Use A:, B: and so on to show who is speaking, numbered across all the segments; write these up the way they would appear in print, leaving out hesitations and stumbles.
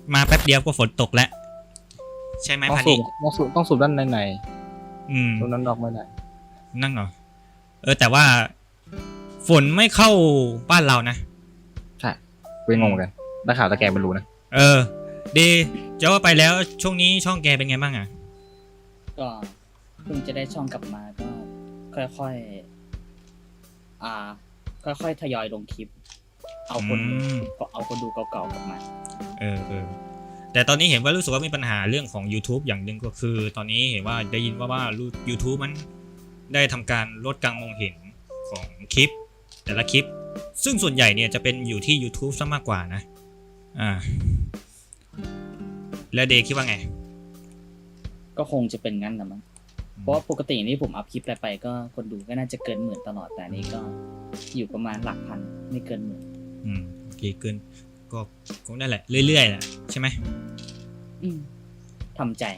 A: มาแป๊บเดียวก็ฝนตกแล้วใช่ไหม
B: ต้อง
A: พัน
B: สู
A: นี้
B: บต้องสูบด้านใน
A: อืม
B: ตรงนั้นออกไม่ได้
A: นั่งเหรอแต่ว่าฝนไม่เข้าบ้านเรานะ
B: ใช่เป็นงงกันนักข่าวตะแกรงมันรู้นะ
A: ดีจะว่าไปแล้วช่วงนี้ช่องแกเป็นไงบ้างอ่ะ
C: ก็เพิ่งจะได้ช่องกลับมาก็ค่อยๆค่อยๆทยอยลงคลิป เอาคนดูเก่าๆกลับมา
A: แต่ตอนนี้เห็นว่ารู้สึกว่ามีปัญหาเรื่องของ YouTube อย่างหนึ่งก็คือ ตอนนี้เห็นว่าได้ยินว่า YouTube มันได้ทำการลดการมองเห็นของคลิปแต่ละคลิปซึ่งส่วนใหญ่เนี่ยจะเป็นอยู่ที่ YouTube ซะมากกว่านะแล้วเดย์คิดว่าไง
C: ก็คงจะเป็นงั้นนะมั้งเพราะว่าปกตินี่ผมอัพคลิปอะไรไปก็คนดูก็น่าจะเกิน10,000ตลอดแต่นี่ก็อยู่ประมาณหลักพันไม่เกิน10,000
A: โอเคเกินก็คงได้แหละเรื่อยๆแหละใช่ไหม
C: ทำใจ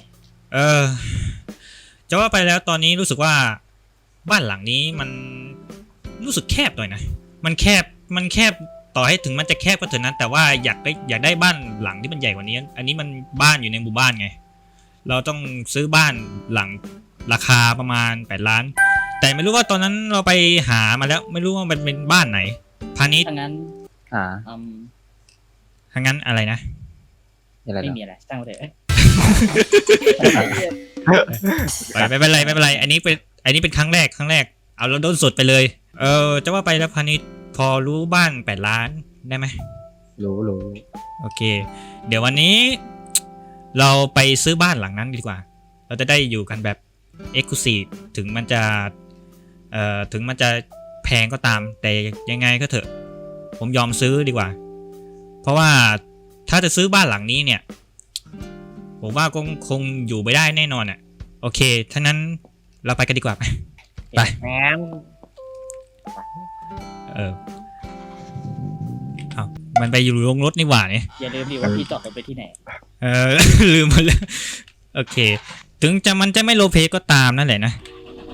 A: จะว่าไปแล้วตอนนี้รู้สึกว่าบ้านหลังนี้มันรู้สึกแคบหน่อยนะมันแคบต่อให้ถึงมันจะแคบก็เถอะนะแต่ว่าอยากได้บ้านหลังที่มันใหญ่กว่านี้อันนี้มันบ้านอยู่ในหมู่บ้านไงเราต้องซื้อบ้านหลังราคาประมาณ8 ล้านแต่ไม่รู้ว่าตอนนั้นเราไปหามาแล้วไม่รู้ว่ามันเป็นบ้านไหนพาณิชย์
C: ถ้างั้น
A: อะไรนะ
C: ไม่มีอะไรสร้างไปเลย
A: ไม่เป็นไรอันนี้เป็นครั้งแรกเอาเราโดนสดไปเลยจะว่าไปแล้วพาณิชย์พอรู้บ้าน8 ล้านได้ไหม
B: รู้
A: โอเคเดี๋ยววันนี้เราไปซื้อบ้านหลังนั้นดีกว่าเราจะได้อยู่กันแบบ Exclusive ถึงมันจะแพงก็ตามแต่ยังไงก็เถอะผมยอมซื้อดีกว่าเพราะว่าถ้าจะซื้อบ้านหลังนี้เนี่ยผมว่าคงอยู่ไม่ได้แน่นอนอ่ะโอเคถ้านั้นเราไปกันดีกว่าไปเอามันไปอยู่โรงรถนี่หว่าเนี่ย
C: อย่าลืมดิว่าพี่จอดรถไปที่ไหน
A: ลืมหมดแล้วโอเคถึงมันจะไม่โลเพก็ตามนั่นแหละนะ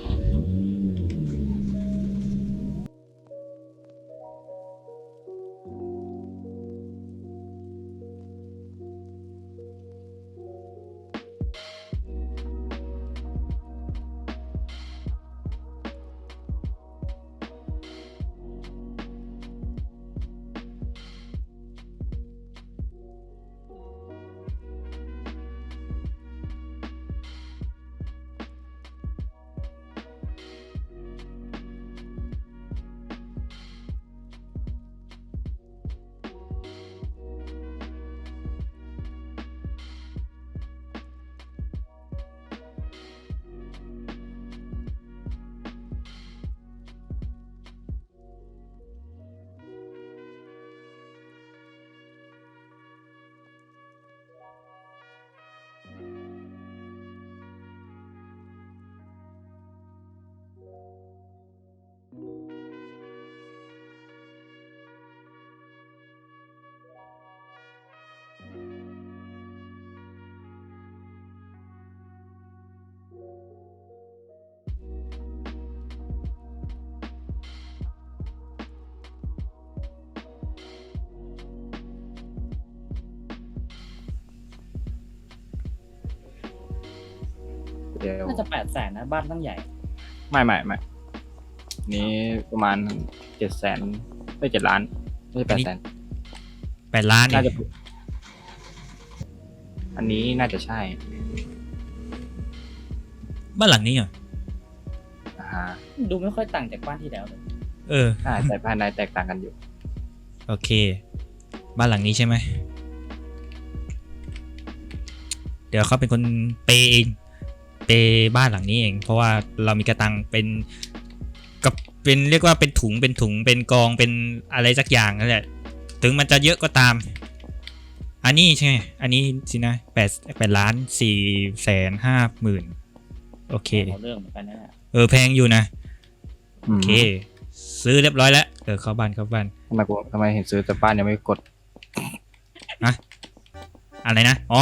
C: น่าจะ800,000นะบ้านตั้งใหญ่
B: ไม่นี้ประมาณ700,000ไม่7 ล้านไม่ใช่800,000
A: 8 ล้าน
B: น่าจะอันนี้น่าจะใช่
A: บ้านหลังนี้เหรอ
C: ดูไม่ค่อยต่างจากบ้านที่แล้วเลย
B: ใช่แต่ภายในแตกต่างกันอยู่
A: โอเคบ้านหลังนี้ใช่ไหมเดี๋ยวเขาเป็นคนเปย์เองเปย์บ้านหลังนี้เองเพราะว่าเรามีกระตังเป็นเรียกว่าเป็นถุงเป็นกองเป็นอะไรสักอย่างนั่นแหละถึงมันจะเยอะก็ตามอันนี้ใช่ไหมอันนี้สินะ8,450,000โอเค
C: เรื่องเหมือนกันนะ
A: แพงอยู่นะโอเคซื้อเรียบร้อยแล้วเข้าบ้าน
B: ทำไมเห็นซื้อแต่บ้านยังไม่กด
A: อะไรนะอ๋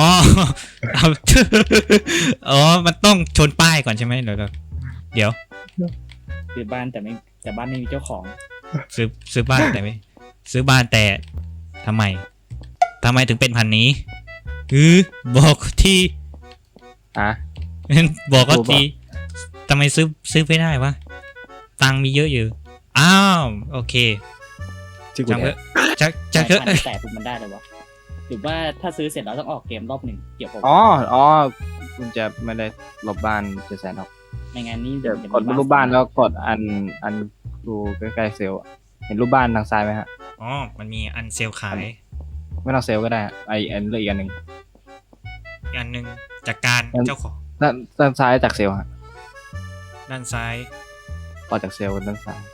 A: อมันต้องชนป้ายก่อนใช่ไหมเดี๋ยว
C: ซื้อบ้านแต่บ้านไม่มีเจ้าของ
A: ซื้อบ้านแต่ไม่ซื้อบ้านแต่ทำไมถึงเป็นพันนี้บอกที
B: อ่ะ
A: บอกก็
B: รู้ปะ
A: ทีทำไมซื้อไม่ได้วะตังค์มีเยอะอยู่อ้าวโอเค
B: ชื่อกู
A: จัง
B: เนี่
A: เถ
B: ย
A: อะจังเถอะ
C: แต่ปุ๊บมันได้เลยวะหรือว่าถ้าซื้อเสร็จแล้วต้องออกเกมรอบหนึ่งเกี่ยวกับ
B: อ๋อคุณจะไม่ได้ลบบ้าน700,000หรอก
C: ไม่งั้นนี่
B: เดี๋ยว
C: จะ
B: กดรูปบ้านแล้วกดอันดูใกล้ๆเซลล์อะเห็นรูปบ้านทางซ้ายไหมฮะ
A: อ๋อมันมีอันเซลขาย
B: ไม่ต้องเซลล์ก็ได้อะอันเลือกอีกอันหนึ่ง
A: อีกอันหนึ่งจากการ
B: งั้น
A: เจ้าของ
B: ด้านซ้ายจากเซลล์ฮะ
A: ด้านซ้าย
B: ต่อจากเซลล์ด้านซ้าย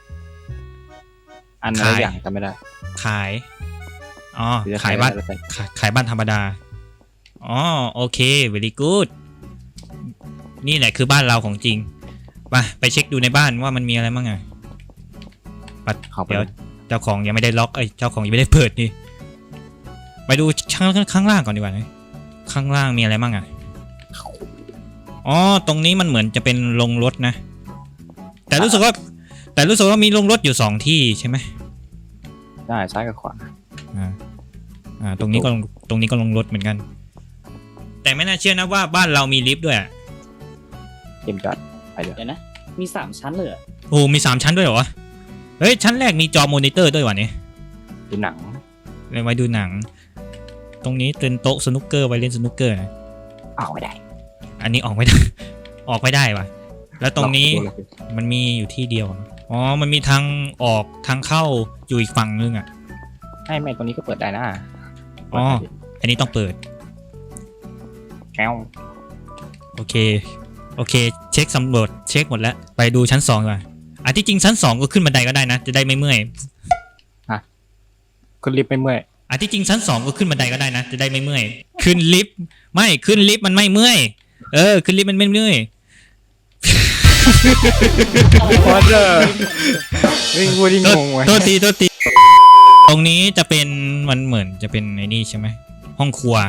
B: อันอะไร
A: ขาย
B: อย่างจำไม่ได้
A: ขายอ๋อ
B: หรือจะ
A: ขายบ้าน
B: อะไรก็ได้
A: ขายบ้านธรรมดาอ๋อโอเค very good นี่แหละคือบ้านเราของจริงไปเช็คดูในบ้านว่ามันมีอะไรบ้างไง
B: เข้าไป
A: เดี๋ยว
B: เลย
A: เจ้าของยังไม่ได้ล็อกเจ้าของยังไม่ได้เปิดนี่ไปดูข้างล่างก่อนดีกว่านะข้างล่างมีอะไรบ้างอ่ะอ๋อตรงนี้มันเหมือนจะเป็นโรงรถนะ แต่รู้สึกว่ามีโรงรถอยู่2ที่ใช่ไหม
B: ได้ซ้ายกับขวา
A: ตรงนี้ก็โรงรถเหมือนกัน แต่ไม่น่าเชื่อนะว่าบ้านเรามีลิฟต์ด้วยอะ
B: เกมจอดไปเดี๋ยว
C: เดี๋ยวนะ มี3ชั้นเลยเหรอ
A: โอ้มี3ชั้นด้วยเหรอวะเฮ้ยชั้นแรกมีจอมอนิเตอร์ด้วยวะเนี่ย
B: ดูหนัง
A: เลยไว้ดูหนัง ตรงนี้เป็นโต๊ะสนุกเกอร์ไว้เล่นสนุกเกอร์นะ
B: อ้าวไม่ได้
A: อันนี้ออกไม่ได้ ออกไม่ได้วะแล้วตรงนี้
B: ล็อกประตูเลย
A: มันมีอยู่ที่เดียวอะอ๋อมันมีทางออกทางเข้าอยู่อีกฝั่งนึงอ่ะ
B: ไม่ตรงนี้ก็เปิดได้นะ
A: อ๋อ อันนี้ต้องเปิด
B: แก้ว
A: โอเคเช็คสำรวจเช็คหมดแล้วไปดูชั้น2ก่อนที่จริงชั้น2ก็ขึ้นบันไดก็ได้นะจะได้ไม่เมื่อย
B: คุณรีบไปเมื่อย
A: ที่จริงชั้น2ก็ขึ้นบันไดก็ได้นะจะได้ไม่เมื่อยขึ้นลิฟต์ไม่ขึ้นลิฟต์มันไม่เมื่อยขึ้นลิฟต์มันไม่เมื่อย
B: พอเจอวิ่งพูดที่งงไว้
A: โทษทีตรงนี้จะเป็นมันเหมือนจะเป็นไอ้นี่ใช่ไหมห้องครัว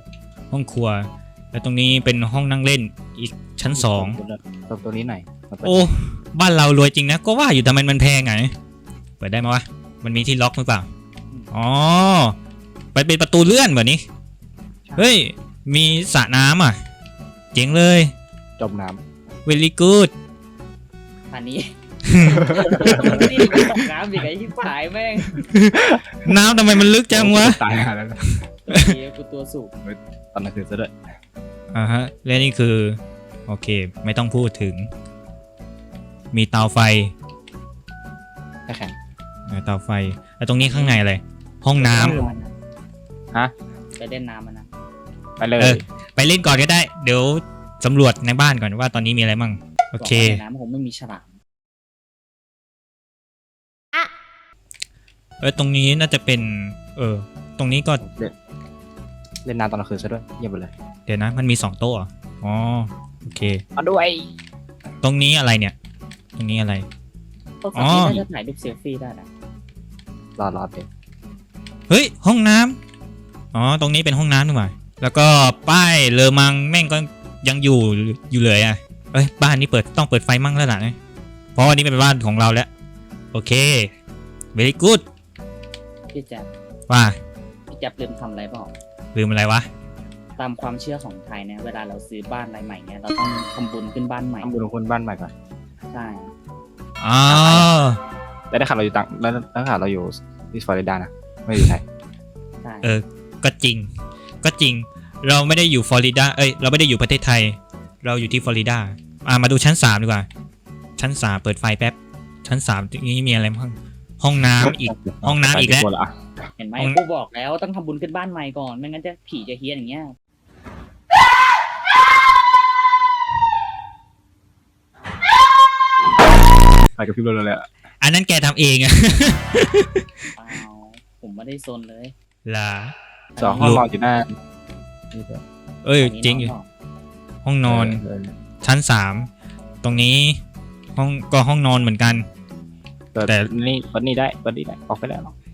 A: แล้วตรงนี้เป็นห้องนั่งเล่นอีกชั้น2
B: ตัวนี้หน่อย
A: โอ้บ้านเรารวยจริงนะก็ว่าอยู่ทำไมมันแพงไงเปิดได้ไหมวะมันมีที่ล็อกหรือเปล่าอ๋อไปเป็นประตูเลื่อนแบบนี้เฮ้ยมีสระน้ำอ่ะเจ๋งเลย
B: จมน้
A: very good
C: อันนี้ นี่ไปตกน้ำอีกไอ้ที่ผายแม่ง
A: น้ำทำไมมันลึก
B: ำ
A: จังวะ
B: ตายแล้วนะ
C: เฮียกูตัวสูง
B: ตอนนั้นคือซะด้วย
A: ฮะและนี่คือโอเคไม่ต้องพูดถึง มีเตาไฟ
B: แค่แข็ง
A: เตาไฟแล้วตรงนี้ข้างในอะไรห้องน้ำ
B: ฮะ
C: ไปเล่นน้ำมันนะ
B: ไปเลย
A: ไปเล่นก่อนก็ได้ เดี๋ยวสำรวจในบ้านก่อนว่าตอนนี้มีอะไรมั่งโอเค
C: บอกว่าในน้ำคงไม่มีฉลาม
A: ตรงนี้น่าจะเป็นตรงนี้ก็
B: เล่นน้ำตอนกลางคืนซะด้วยเยี่ยมไปเลย
A: เดี๋ยวนะมันมี2โต๊ะเหรออ๋อโอเค
B: เอาด้วย
A: ตรงนี้อะไรเนี่ย ตรงนี้อะไร
C: พวกฝั่งนี้น่าจะถ่ายรูปเซลฟี่ได้นะ
B: รอเดี๋ยว
A: เฮ้ยห้องน้ำอ๋อตรงนี้เป็นห้องน้ำนี่หว่าแล้วก็ป้ายเลอมังแม่งก็ยังอยู่เลยอ่ะบ้านนี้ต้องเปิดไฟมั่งแล้วล่ะนะเพราะวันนี้เป็นบ้านของเราแล้วโอเค very good
C: พี่แจ๊บ
A: ว่า
C: พี่แจ๊บลืมทำอะไรเปล่า
A: ลืมอะไรวะ
C: ตามความเชื่อของไทยเนี่ยเวลาเราซื้อบ้านอะไรใหม่เนี่ยเราต้องทำบุญขึ้นบ้านใหม่
B: ทำบุญของคนบ้านใหม่ก่อน
C: ใช่
A: อ๋อ
B: แล้วได้ข่าวเราอยู่ต่างแล้วได้ข่าวเราอยู่ที่ฟลอริดานะไม่อยู่ไทย
C: ใช่
A: ก็จริงเราไม่ได้อยู่ฟลอริดาเราไม่ได้อยู่ประเทศไทย เราอยู่ที่ฟลอริดามาดูชั้น3ดีกว่าชั้น3เปิดไฟแป๊บชั้น3นี้มีอะไรบ้างห้องน้ำอีกห้องน้ำอีกแล้ว
C: เห็นไหมกูบอกแล้วต้องทำบุญขึ้นบ้านใหม่ก่อนไม่งั้นจะผีจะเฮี้ยนอย่างเงี้ย
B: ไปกับพี่รถเลยอะ
A: อันนั้นแกทำเองอะ
C: เปล่าผมไม่ได้ซนเลย
A: ล่ะ
B: สองห้องนอนอยู่หน้านี่ด้วย
A: จริงอยู่
C: นนี้
A: ห้องนอนชั้น3ตรงนี้ห้องนอนเหมือนกัน แต่
B: แต่นี่เปิดนี่ได้ออกไปแล้ว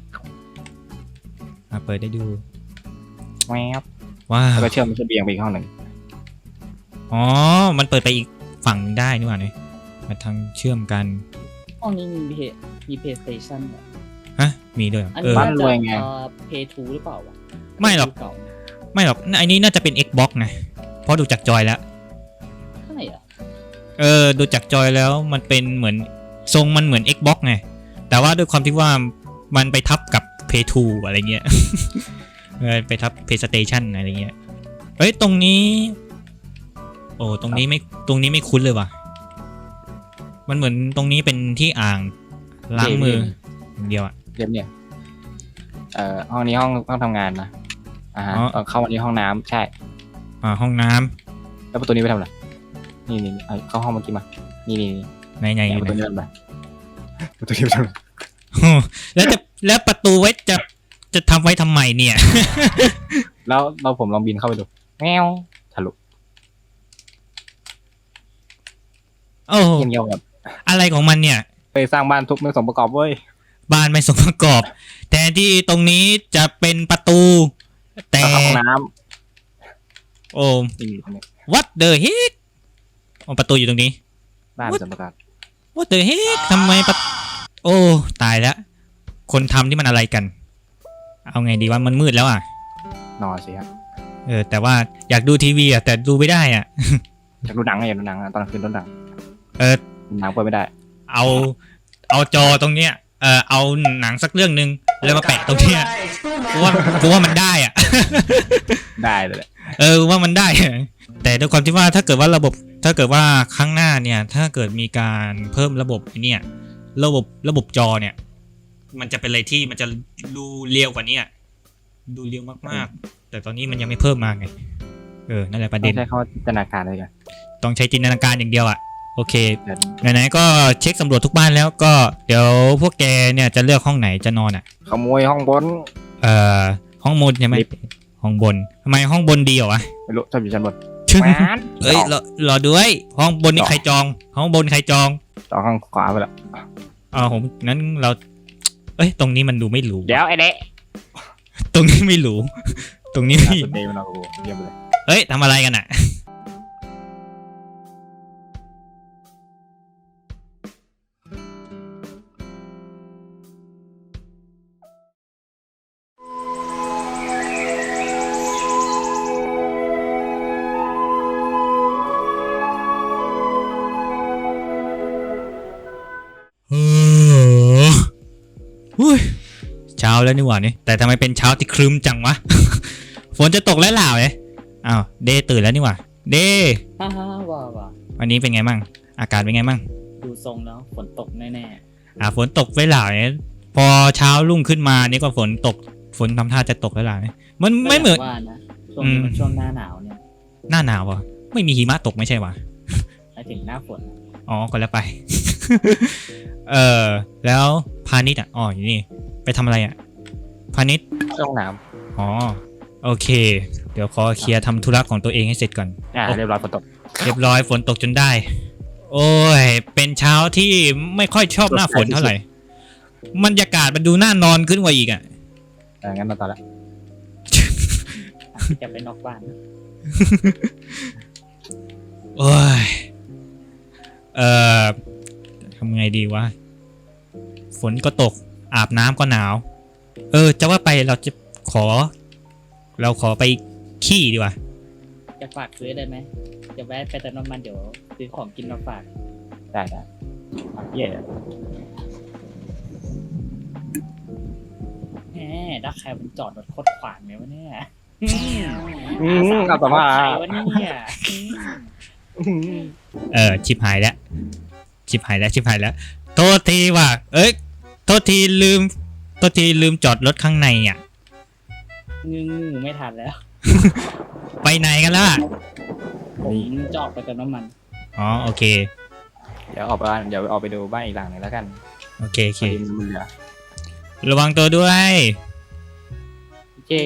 A: เปิดได้ดู
B: แวบ
A: ว้า
B: แล้ว
A: ว
B: ก็เชื่อมมันจะเบียงไปอีกห้องหนึ่ง
A: อ๋อมันเปิดไปอีกฝั่งหนึ่งได้นี่หว่าเนี่ยมาทางเชื่อมกัน
C: ห้องนี้มีเพย์สเตชันเหรอ
A: ฮะมีด้วยเหรอ
C: อันนี้
B: บ้าน
C: น่าร
B: วย
C: จะ
B: ไง
C: เพย์ทูหรือเปล่าวะ
A: ไม่หรอก
C: เก่า
A: ไม่หรอกไอ้นี้น่าจะเป็น Xbox นะเพราะดูจากจอยแล้ว
C: ใช่เหรอ
A: ดูจากจอยแล้วมันเป็นเหมือนทรงมันเหมือน Xbox ไงแต่ว่าด้วยความที่ว่ามันไปทับกับ Play 2 อะไรเงี้ย ไปทับ PlayStation อะไรเงี้ยเอ้ยตรงนี้โอ้ตรงนี้ไม่คุ้นเลยว่ะมันเหมือนตรงนี้เป็นที่อ่างล้างมืออย่างเดียวอะ
B: เรียบเนี่ยห้องนี้ห้องทำงานนะฮะเข้ามาที่ห้องน้ำใช่
A: ห้องน้ำ
B: แล้วประตูนี้ไปทำอะไรนี่เข้าห้องเมื่อกี้มานี่
A: ไหนอยู่
B: ประตู
A: ไหน
B: นี้ไปประตูนี้ไปทำอะไร
A: แล้วประตูไว้จะทำไว้ทำไมเนี่ย
B: แล้วผมลองบินเข้าไปดูแมวทะลุ
A: โอ้โห
B: เงียบๆแบบ
A: อะไรของมันเนี่ย
B: ไปสร้างบ้านทุบไม่สมประกอบเว้ย
A: บ้านไม่สมประกอบแทนที่ตรงนี้จะเป็นประตู แต่
B: เข้าห้องน้
A: โอ้
B: ำนี่ตรงนี้
A: what the heck ประตูอยู่ตรงนี้
B: บ้านไม่สมประกอบ
A: what the heck ทำไมโอ้ตายแล้วคนทำที่มันอะไรกัน เอาไงดีว่ามันมืดแล้วอ่ะ
B: นอนสิฮะ
A: แต่ว่าอยากดูทีวีอ่ะแต่ดูไม่ได้อ่ะ
B: อยากดูหนังอยากดูหนังตอนกลางคืนต้นหนัง
A: เออ
B: หนังเปิดไม่ได้
A: เอาจอตรงเนี้ยเอาหนังสักเรื่องนึงแล้วมาแปะตรงเนี้ยกูว่ามันได้อ่ะ
B: ได้เลยแหละ
A: ว่ามันได้ แต่ด้วยความที่ว่าถ้าเกิดว่าข้างหน้าเนี่ยถ้าเกิดมีการเพิ่มระบบเนี่ยระบบจอเนี่ยมันจะเป็นอะไรที่มันจะดูเรียวกว่านี้ดูเรียวมากๆแต่ตอนนี้มันยังไม่เพิ่มมาไงนั่นแหละประ
B: ต้
A: เด็
B: อน งใช้คำว่าจินตนาการเลยกัน
A: ต้องใช้จินตนาการอย่างเดียวอ่ะโอเค
B: เดี๋ยว
A: ไหนๆก็เช็คสำรวจทุกบ้านแล้วก็เดี๋ยวพวกแกเนี่ยจะเลือกห้องไหนจะนอนอ่ะ
B: ขโมยห้องบน
A: ห้องบนใช่ไหม
B: ลิฟต์
A: ห้องบนทำไมห้องบนดีเหรอวะ
B: ไม่รู้ชอบอยู่ชั้นบน
A: เอ้ยรอด้วยห้องบนนี่ใครจอง ห้องบนใครจอง
B: ต่อห้องขวาไปแล้ว
A: ผมนั้นเราตรงนี้มันดูไม่หรู
B: เดี๋ยวไอ้เด็ก
A: ตรงนี้ไม่หรูตรงนี้ไม่
B: สุดเดย์มันเอาเยี่ยมเลย
A: ทำอะไรกันอ่ะเช้าแล้วนี่หว่านี่แต่ทำไมเป็นเช้าที่ครึ้มจังวะ ฝนจะตกแล้วหล่าเลยอ้าวเดย์ตื่นแล้วนี่หว่าเดย์
C: ฮ่าว่า
A: วันนี้เป็นไงมั่งอากาศเป็นไงมั่ง
C: ดูทรงแล้วฝนตกแน่
A: ฝนตกไว้หล่าเนี่ยพอเช้ารุ่งขึ้นมานี่ก็ฝนตกฝนทำท่าจะตกแล้วหล่าเนี่ยมัน
C: ๆ
A: ไม่เหมือน
C: ว่านะช่วงนี้มันช่วงหน้าหนาวเนี่ย
A: หน้าหนาวอ่ะไม่มีหิมะตกไม่ใช่วะ
C: หมายถึงหน้าฝน
A: อ๋อก็แล้วไป แล้วพาณิชย์อยู่นี่ไปทำอะไรพาณิชย์
B: ห้องน้
A: อ๋อโอเค เดี๋ยวขอเคลียร์ทำธุระของตัวเองให้เสร็จก่อน
B: ำเรียบร้อยฝนตก
A: เรียบร้อยฝนตกจนได้ โอ้ยเป็นเช้าที่ไม่ค่อยชอบหน้าฝนเท่าไหร่บรรยากาศมันดูน่านอนขึ้นกว่าอีกอ่ะ
B: งั้นมาต่อละ
C: จะไปนอกบ้าน
A: โอ้ยทำไงดีวะฝนก็ตกอาบน้ำก็หนาวจะว่าไปเราขอไปขี้ดีกว่า
C: จะฝากซื้อได้ไหมจะแวะไปเติมน้ำมันเดี๋ยวซื้อของกินมาฝาก
B: ได้เย่
C: แหมดักใครมันจอดรถโคตรขวางเลยวะเนี่ย
B: เอาต่อมา
C: ใครวะเนี่ย
A: ชิบหายแล้วโทษทีว่ะโทษทีลืมจอดรถข้างในอ่ะ
C: งึไม่ทันแล้ว
A: ไปไหนกันล่ะ
C: ผมจะออกไปเติมน้ำมัน
A: อ๋อโอเค
B: เดี๋ยวออกไปดูบ้านอีกหลังหนึ่งแล้วกัน
A: โอเค
B: มันเหลือ
A: ระวังตัวด้วย
B: โอเค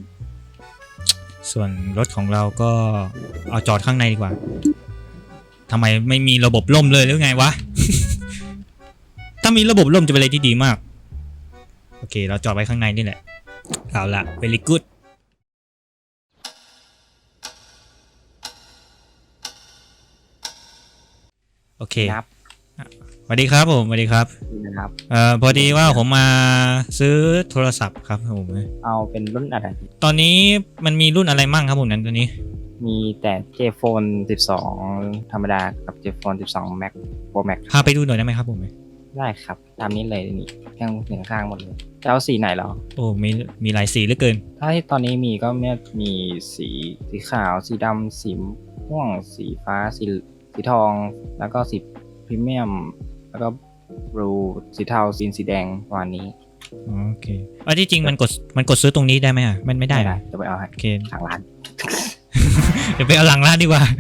A: ส่วนรถของเราก็เอาจอดข้างในดีกว่าทำไมไม่มีระบบล่มเลยหรือไงวะ ถ้ามีระบบล่มจะเป็นอะไรที่ดีมากโอเคเราจอดไว้ข้างในนี่แหละเอาละ very good โอเค
B: นับ
A: สวัสดีครับผมสวัสดีครับ
B: นะครับ
A: พอดีว่าผมมาซื้อโทรศัพท์ครับผม
B: เอาเป็นรุ่นอะไร
A: ตอนนี้มันมีรุ่นอะไรมั่งครับผมนั้นตัวนี้
B: มีแต่ J Phone 12 ธรรมดากับ J Phone 12 Max Pro Max
A: พาไปดูหน่อยได้ไหมครับผม
B: ได้ครับ ตามนี้เลยนี่ข้างหนึ่งข้างหมดเลยจะเอาสีไหนเหรอ
A: โอ้มีหลายสีเหลือเกิน
B: ถ้าที่ตอนนี้มีก็มีสีขาว สีดำสีม่วง สีฟ้า สีทอง แล้วก็สีพรีเมียม แล้วก็บลูสีเทาสีแดงประมาณนี้
A: โอเคที่จริงมันกดซื้อตรงนี้ได้ไหมอ่ะมันไม่ได้เหรอ
B: จะไปเอาให้
A: โอเค
B: ทางร้าน
A: เดี๋ยวไปเอาหลังร้านดีกว่า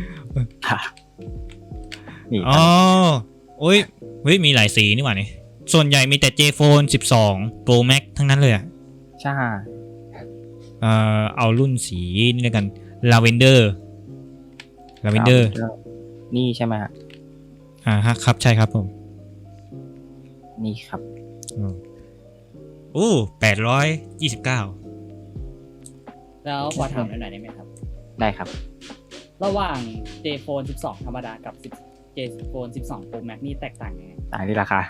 B: นี่
A: อ๋อโอ้ยเฮ้ยมีหลายสีนี่หว่านี่ส่วนใหญ่มีแต่ J Phone 12 Pro Max ทั้งนั้นเลยอ่ะ
B: ใช่
A: เอารุ่นสีนี่แล้วกัน Lavender
B: นี่ใช่ไหมฮะ
A: ฮะครับใช่ครับผม
B: นี่ครับ
A: โอ้829
C: แล้วขอถามหน่อยได้ไหมครับ
B: ได้ครับ
C: ระหว่าง J Phone 12 ธรรมดากับ10 J Phone 12 Pro Max นี่แตกต่างยังไง
B: ต่างที่ราคา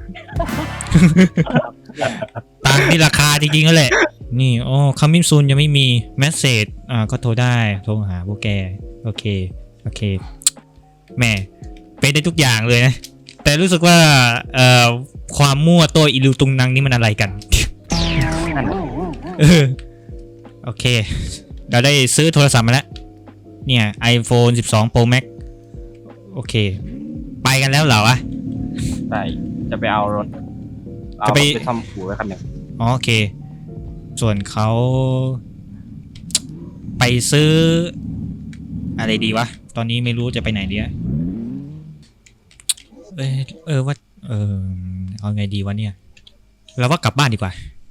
A: ต่างที่ราคาจริงๆก็แหละ นี่coming soon ยังไม่มี message ก็โทรได้โทรหาพวกแกโอเคแหม่เป็นได้ทุกอย่างเลยนะ แต่รู้สึกว่าความมั่วตัวอิลูตุงนังนี่มันอะไรกัน โอเคเราได้ซื้อโทรศัพท์มาแล้วเนี่ย iPhone 12 Pro Max โอเคไปกันแล้วเหรอวะ
B: ใช่จะไปเอารถ
A: จะไป
B: ซ่อมหูไว้คันหนึ่ง
A: โอเคส่วนเขาไปซื้ออะไรดีวะตอนนี้ไม่รู้จะไปไหนดีอะว่าเอาไงดีวะเนี่ยเราว่ากลับบ้านดีกว่า